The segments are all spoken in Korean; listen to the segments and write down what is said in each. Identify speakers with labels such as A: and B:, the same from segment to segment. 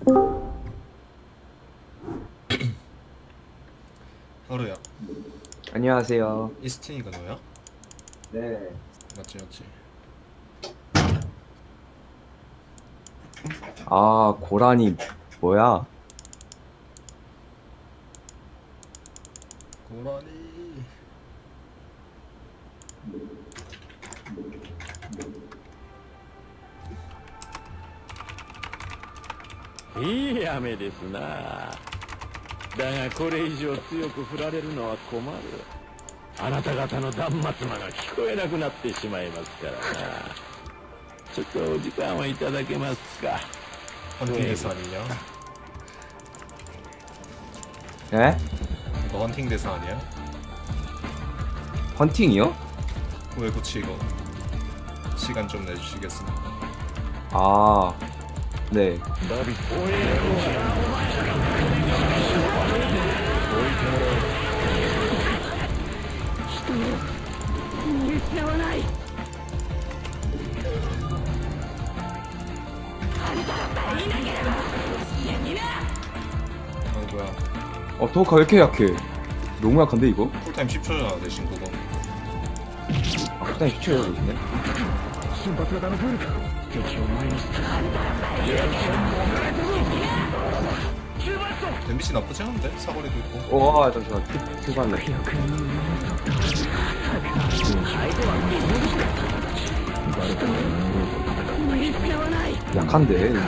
A: 하루야,
B: 안녕하세요.
A: 이스틴이가 너야?
B: 네.
A: 맞지 맞지.
B: 아, 고라니 뭐야?
A: 고라니.
C: いい雨ですな。だがこれ以上強く降られるのは困る。あなた方の断末魔が聞こえなくなってしまいますからな。ちょっとお時間をいただけますか。
A: 헌팅 대사 아니냐?
B: 네?
A: 이거 헌팅 대사 아니야?
B: 헌팅이요?
A: 왜 그치 이거? 시간 좀 내주시겠습니까?
B: 아, 네.
C: ダビおい失わない。
A: 아이고야.
B: 도우카 왜 이렇게 약해? 너무 약한데 이거?
A: 쿨타임 10초잖아 대신 그거.
B: 아, 일단 시켜야 되겠네.
C: 瞬発型のブルク敵を前にして
A: 댐비시 나쁘지 않은데? 사거리도 있고.
B: 와, 잠시만. 출발래. 약한데 이게.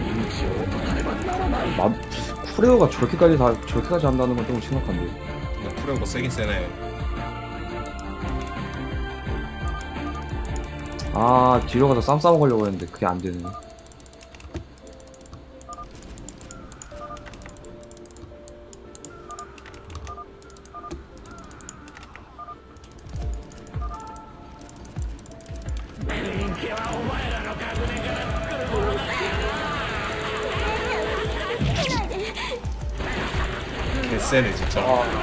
B: 쿠레오가 저렇게까지 한다는 건 좀 심각한데.
A: 근데 쿠레오가 세긴 세네.
B: 아, 뒤로 가서 쌈 싸먹으려고 했는데 그게 안 되네.
A: 개세네 진짜.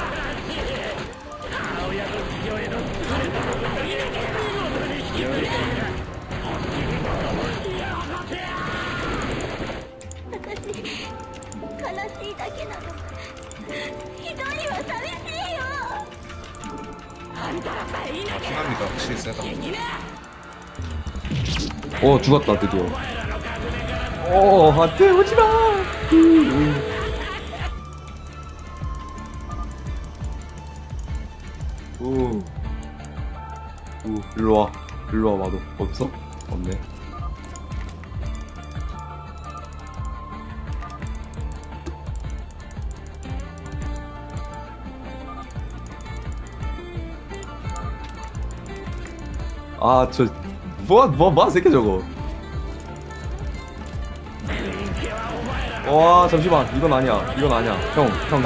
A: 아, 피납니다. 확실히 세다.
B: 죽었다 드디어. 안돼 오지마. 일로와 마도 없어? 없네. 아, 뭐 새끼 저거. 와, 잠시만. 이건 아니야. 형.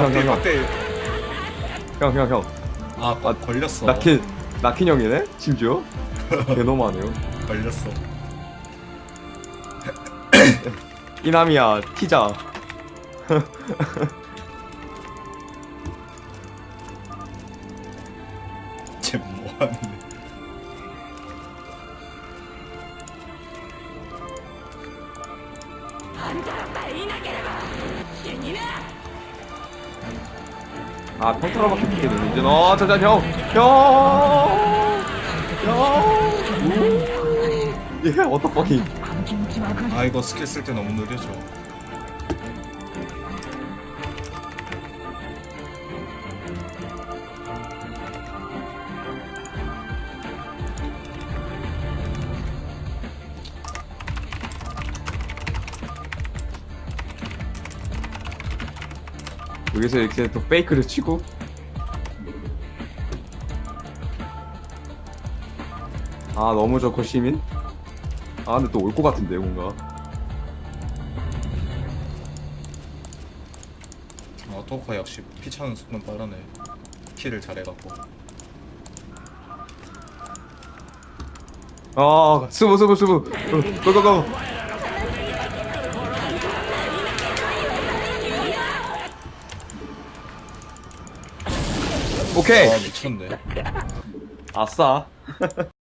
A: 아, 걸렸어.
B: 나킨 형이네? 심지어? 개너무하네요.
A: 걸렸어.
B: 이남이야, 티자.
A: 쟤 뭐하는데?
B: 아, 평타로밖에 못 되네. 이제 잠깐 형. 예, 어떡하기.
A: 아 이거 스킬 쓸 때 너무 느려져.
B: 여기서 이렇게 또 페이크를 치고. 아, 너무 좋고 시민. 아, 근데 또 올 것 같은데 뭔가.
A: 아 토카 역시 피 차는 속도는 빠르네. 킬을 잘해갖고.
B: 아, 스부. 고고고. 오케이.
A: 아 미쳤네.
B: 아싸.